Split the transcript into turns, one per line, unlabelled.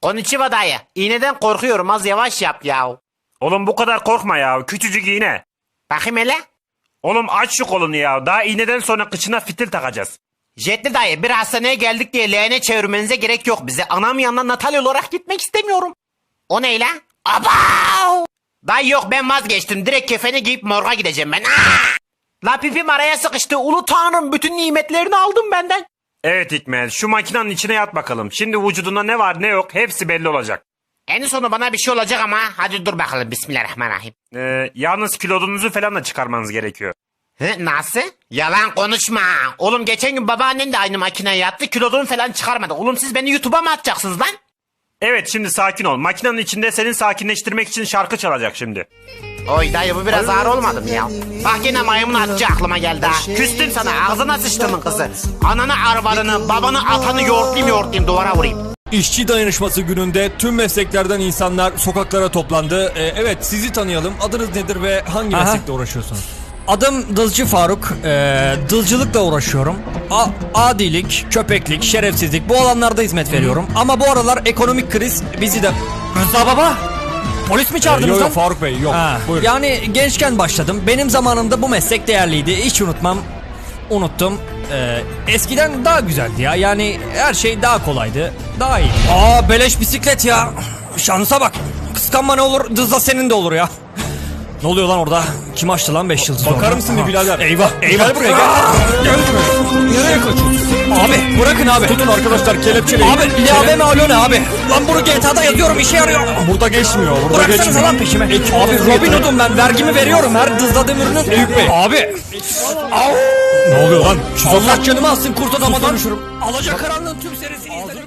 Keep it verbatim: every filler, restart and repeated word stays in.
Konnichiwa dayı. İğneden korkuyorum, az yavaş yap ya.
Oğlum bu kadar korkma ya. Küçücük iğne.
Bakayım hele.
Oğlum aç şu kolunu ya. Daha iğneden sonra kıçına fitil takacağız.
Jetli dayı, bir hastaneye geldik diye leğene çevirmenize gerek yok bize. Anam yanına Natalya olarak gitmek istemiyorum. O ne lan? Abav! Dayı yok, ben vazgeçtim. Direkt kefeni giyip morga gideceğim ben. Aa! La pipim araya sıkıştı. Ulu tanrım, bütün nimetlerini aldın benden.
Evet Hikmet, şu makinenin içine yat bakalım. Şimdi vücudunda ne var ne yok hepsi belli olacak.
En sonu bana bir şey olacak ama hadi dur bakalım. Bismillahirrahmanirrahim.
Ee, yalnız kilodunuzu falan da çıkarmanız gerekiyor.
Hı, nasıl? Yalan konuşma. Oğlum geçen gün babaannen de aynı makineye yattı. Kilodunu falan çıkarmadı. Oğlum siz beni YouTube'a mı atacaksınız lan?
Evet, şimdi sakin ol. Makinenin içinde seni sakinleştirmek için şarkı çalacak şimdi.
Oy dayı, bu biraz ağır olmadı mı ya? Bak yine maymun atıcı aklıma geldi ha. Küstüm sana, ağzına sıçtımın kızı. Ananı arvarını, babanı atanı yoğurtlayayım yoğurtlayayım duvara vurayım.
İşçi dayanışması gününde tüm mesleklerden insanlar sokaklara toplandı. Ee, evet, sizi tanıyalım. Adınız nedir ve hangi
Aha.
meslekle uğraşıyorsunuz?
Adım Dızcı Faruk. Ee, dılcılıkla uğraşıyorum. A- adilik, köpeklik, şerefsizlik bu alanlarda hizmet veriyorum. Ama bu aralar ekonomik kriz bizi de... Rıza baba! Polis mi
Ee,
çağırdınız
yok
lan?
yok Faruk Bey yok.
Ha,
Buyurun.
yani gençken başladım. Benim zamanımda bu meslek değerliydi. Hiç unutmam. Unuttum. Ee, eskiden daha güzeldi ya. Yani her şey daha kolaydı. Daha iyi. Aa, beleş bisiklet ya. Şansa bak. Kıskanma ne olur, dızla senin de olur ya. Ne oluyor lan orada? Kim açtı lan beş yıldız?
Bakar
orada?
mısın bir
Aha.
birader?
Eyvah, eyvah.
Gel buraya gel. Gel buraya. Nereye kaçıyorsun?
Abi bırakın abi.
Tutun arkadaşlar, kelepçeleyin.
Abi L A B mi alo ne abi? Lan bunu G T A'da yazıyorum, işe yarıyor.
Burada geçmiyor. Burada
Bıraksanıza
geçmiyor.
lan peşime.
Ekip
Abi
olsun
Robin
yeter.
Hood'um ben, vergimi veriyorum her dızladığım ürünün.
Eyüp Bey.
Abi.
Ne oluyor lan?
Allah canımı alsın, kurt adamadan. Alacakaranlığın tüm serisi izle.